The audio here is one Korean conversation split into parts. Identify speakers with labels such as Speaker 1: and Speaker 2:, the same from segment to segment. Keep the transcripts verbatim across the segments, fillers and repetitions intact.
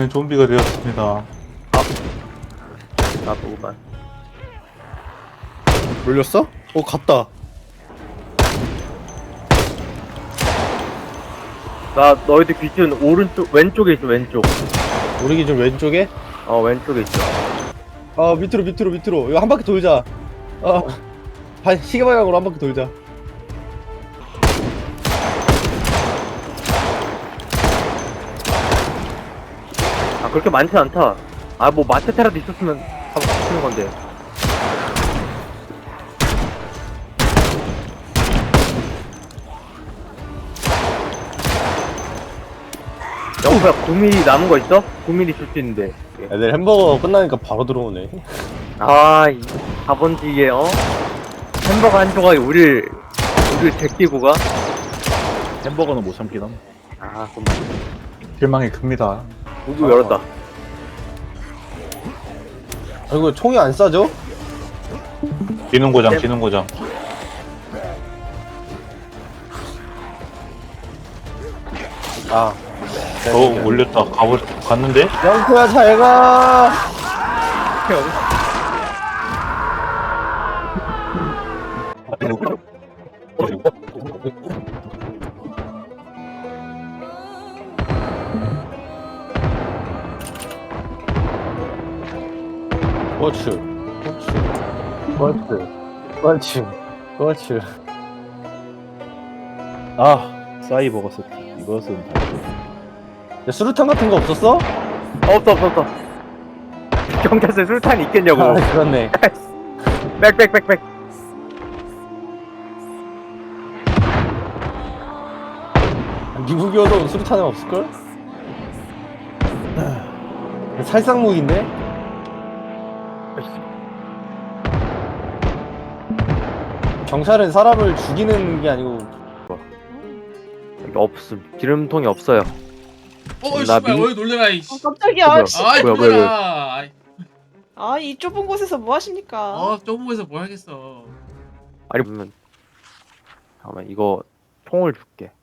Speaker 1: 좀비가 되었습니다.
Speaker 2: 나도 오만.
Speaker 3: 물렸어? 어 갔다.
Speaker 2: 나 너희들 귀준 오른쪽 왼쪽에 있어. 왼쪽.
Speaker 3: 우리 기준 왼쪽에?
Speaker 2: 어 왼쪽에 있어.
Speaker 3: 아 밑으로 밑으로 밑으로. 이거 한 바퀴 돌자. 어 반 시계 방향으로 한 바퀴 돌자.
Speaker 2: 아 그렇게 많지 않다. 아 뭐 마체테라도 있었으면 하고 치는 건데. 영구야 구 밀리미터 남은 거 있어? 구 밀리미터 줄 수 있는데.
Speaker 3: 애들 햄버거 끝나니까 바로 들어오네.
Speaker 2: 아, 이 자본주의에 어? 햄버거 한 조각이 우릴 우릴 제끼고 가?
Speaker 4: 햄버거는 못 참긴 함.
Speaker 2: 아, 그럼
Speaker 1: 실망이 큽니다.
Speaker 2: 문도 열었다.
Speaker 3: 아 이거 총이 안 쏴져?
Speaker 1: 기능 고장,
Speaker 2: 네.
Speaker 1: 기능 고장.
Speaker 3: 아.
Speaker 1: 어, 올렸다. 가버, 갔는데?
Speaker 3: 영구야 잘 가. 그렇지. 그렇지. 그렇지. 그렇지. 그렇지. 아,
Speaker 4: 사이버거 세트. 이것은 다
Speaker 3: 야, 수류탄 같은 거 없었어?
Speaker 2: 없어, 없어, 없어. 경찰서에 술탄이 있겠냐고.
Speaker 3: 아, 그렇네.
Speaker 2: 빽빽빽빽.
Speaker 3: 미국이어도 수류탄은 없을걸? 살상무기인데? 경찰은 사람을 죽이는 게 아니고
Speaker 2: 여기 없음. 기름통이 없어요.
Speaker 5: 어,
Speaker 2: 나
Speaker 5: 씨발,
Speaker 2: 미-
Speaker 5: 어이 놀래라 이.
Speaker 6: 어, 깜짝이야.
Speaker 2: 뭐야?
Speaker 6: 씨.
Speaker 5: 아이
Speaker 2: 뭐야, 뭐야,
Speaker 5: 놀래라. 아이,
Speaker 6: 아, 이 좁은 곳에서 뭐 하십니까?
Speaker 5: 어, 좁은 곳에서 뭘 하겠어.
Speaker 2: 아니, 그러면 잠깐만 이거 총을 줄게.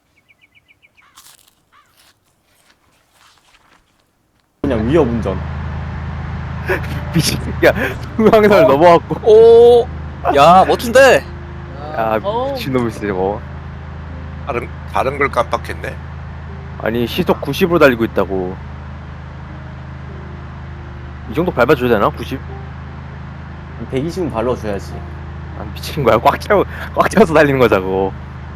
Speaker 3: 그냥 위협 운전.
Speaker 2: 미친 새끼야. 중앙선을 넘어왔고.
Speaker 7: 오, 야 멋진데.
Speaker 2: 야,
Speaker 6: 어우.
Speaker 2: 미친놈이 있어 저거.
Speaker 8: 다른 다른 걸 깜빡했네.
Speaker 2: 아니 시속 구십으로 달리고 있다고. 이 정도 밟아줘야 되나? 구십?
Speaker 3: 백이십은 발라줘야지.
Speaker 2: 아 미친 거야. 꽉 채워 꽉 채워서 달리는 거자고.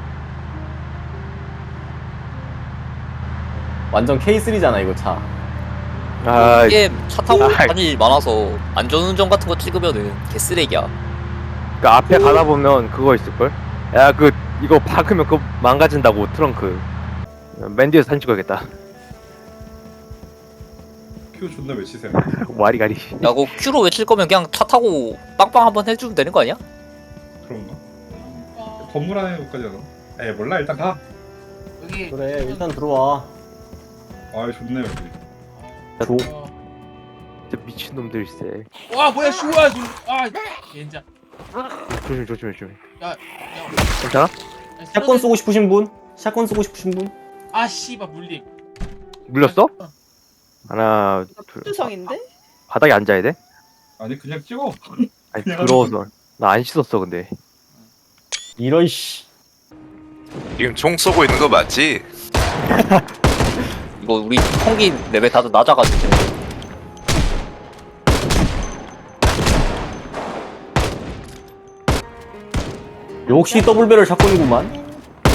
Speaker 3: 완전 케이쓰리잖아 이거 차.
Speaker 2: 아,
Speaker 7: 이게 차 타고
Speaker 2: 아이.
Speaker 7: 다닐 일 많아서 안전운전 같은 거 찍으면은 개쓰레기야.
Speaker 2: 그 앞에 가다 보면 그거 있을 걸. 야, 그 이거 박으면 그거 망가진다고 트렁크. 맨 뒤에서 사진 찍어야겠다.
Speaker 4: 큐 존나 외치세요.
Speaker 2: 와리가리.
Speaker 7: 야, 그거 큐로 외칠 거면 그냥 차 타고 빵빵 한번 해주면 되는 거 아니야?
Speaker 4: 그런가? 건물 안에까지 가서. 에 몰라 일단 가.
Speaker 5: 여기.
Speaker 3: 그래 일단 들어와.
Speaker 4: 아 좋네 여기.
Speaker 5: 어.
Speaker 2: 진짜 미친 놈들일세.
Speaker 5: 와 뭐야 슈아 눈. 아, 젠장.
Speaker 2: 조심 조심 조심.
Speaker 5: 야, 야.
Speaker 2: 괜찮아?
Speaker 5: 야,
Speaker 3: 샷건 쏘고 싶으신 분? 샷건 쏘고 싶으신 분?
Speaker 5: 아 씨발 물림.
Speaker 2: 물렸어? 하나, 둘.
Speaker 6: 수성인데?
Speaker 2: 바닥에 앉아야 돼?
Speaker 4: 아니 그냥 찍어.
Speaker 2: 아니
Speaker 4: 그냥
Speaker 2: 더러워서. 나 안 씻었어 근데.
Speaker 3: 이런 씨.
Speaker 8: 지금 총 쏘고 있는 거 맞지?
Speaker 7: 이거 우리 총기 레벨 다들 낮아가지고.
Speaker 3: 역시 더블배럴 샷건이구만.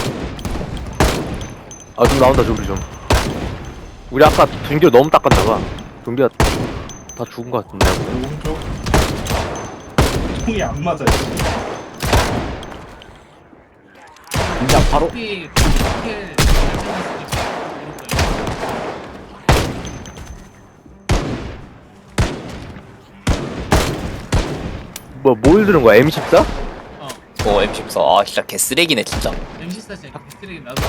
Speaker 2: 아 좀 나온다 좀비 좀. 우리 아까 둔기를 너무 닦았나봐. 좀비가 다 죽은 거 같은데.
Speaker 4: 오른쪽. 총이 안 맞아.
Speaker 3: 진짜 바로
Speaker 5: 여기 이렇게
Speaker 2: 뭐 뭘 들은 거야? 엠 십사?
Speaker 7: 어, 엠 십사. 아, 진짜 개쓰레기네 진짜.
Speaker 5: 엠시사 진짜 개쓰레기 나도.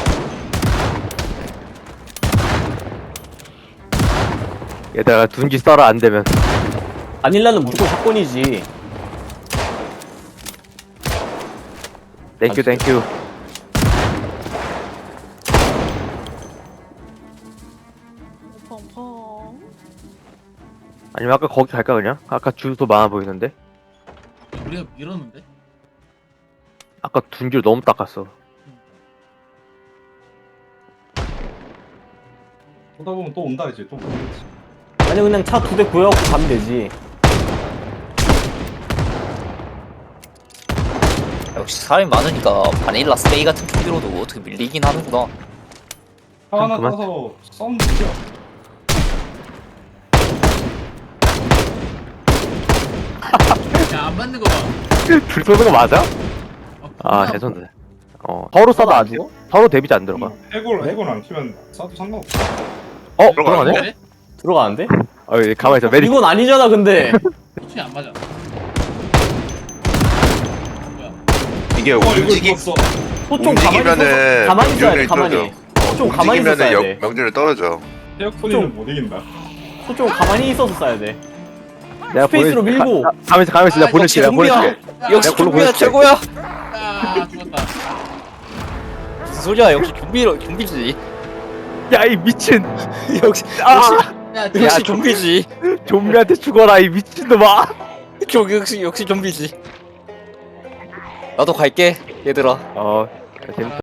Speaker 2: 얘들아 둔기 써라 안 되면.
Speaker 3: 바닐라는 무조건 샷건이지.
Speaker 2: 땡큐 땡큐.
Speaker 6: 펑펑.
Speaker 2: 아니면 아까 거기 갈까 그냥? 아까 줄도 많아 보이는데?
Speaker 5: 우리가 밀었는데?
Speaker 2: 아까 둔 줄 너무 닦았어.
Speaker 4: 보다 보면 또 온다 이제 또 모르겠지.
Speaker 9: 아니 그냥 차 두 대 구해갖고 가면 되지.
Speaker 7: 역시 사람이 많으니까 바닐라 스테이 같은 캐비로도 어떻게 밀리긴 하는구나.
Speaker 4: 차 하나
Speaker 2: 그만.
Speaker 4: 따서 썸 죽여.
Speaker 5: 야, 안 맞는 거 봐.
Speaker 2: 줄 쏘는 거 맞아?
Speaker 5: 어,
Speaker 2: 아
Speaker 5: 겁나
Speaker 2: 죄송해. 어 서로 싸도 안 죽어? 서로 데미지 안 들어가.
Speaker 4: 해골 해골 안 키면 싸도 상관없어.
Speaker 2: 어
Speaker 8: 들어가네?
Speaker 2: 들어가네?
Speaker 5: 그래?
Speaker 9: 들어가는데?
Speaker 2: 어 여기 가만히 있어. 메리.
Speaker 9: 이건 아니잖아 근데.
Speaker 5: 소총이 안 맞아. 뭐야?
Speaker 8: 이게
Speaker 4: 어 이거
Speaker 8: 움직이
Speaker 4: 죽었어.
Speaker 9: 소총 가만히
Speaker 8: 움직이면은
Speaker 9: 있어. 가만히 있어야 돼.
Speaker 8: 명중률이
Speaker 9: 가만히.
Speaker 8: 떨어져.
Speaker 9: 소총 가만히 있어
Speaker 8: 움직이면은
Speaker 9: 야
Speaker 8: 역-
Speaker 9: 돼.
Speaker 8: 명중률 떨어져.
Speaker 4: 헤어코니는 못 이긴다.
Speaker 9: 소총 가만히 있어서 쏴야 돼.
Speaker 2: 내가
Speaker 9: 스페이스로
Speaker 2: 보내-
Speaker 9: 밀고.
Speaker 2: 가- 가- 가만히 있어 가만히 있어. 내가
Speaker 7: 아,
Speaker 2: 보낼게.
Speaker 7: 역시
Speaker 2: 내가
Speaker 7: 좀비야.
Speaker 2: 보낼게.
Speaker 7: 역시
Speaker 2: 내가 골로
Speaker 7: 좀비야
Speaker 2: 보낼게.
Speaker 7: 최고야.
Speaker 5: 아, 죽었다.
Speaker 7: 무슨 소리야? 역시 좀비 좀비지.
Speaker 2: 야 이 미친.
Speaker 7: 역시
Speaker 2: 아
Speaker 5: 야,
Speaker 7: 역시
Speaker 2: 야,
Speaker 7: 좀비지.
Speaker 2: 좀비한테 죽어라 이 미친놈아.
Speaker 7: 역시 역시 좀비지. 나도 갈게 얘들아.
Speaker 2: 어 재밌다.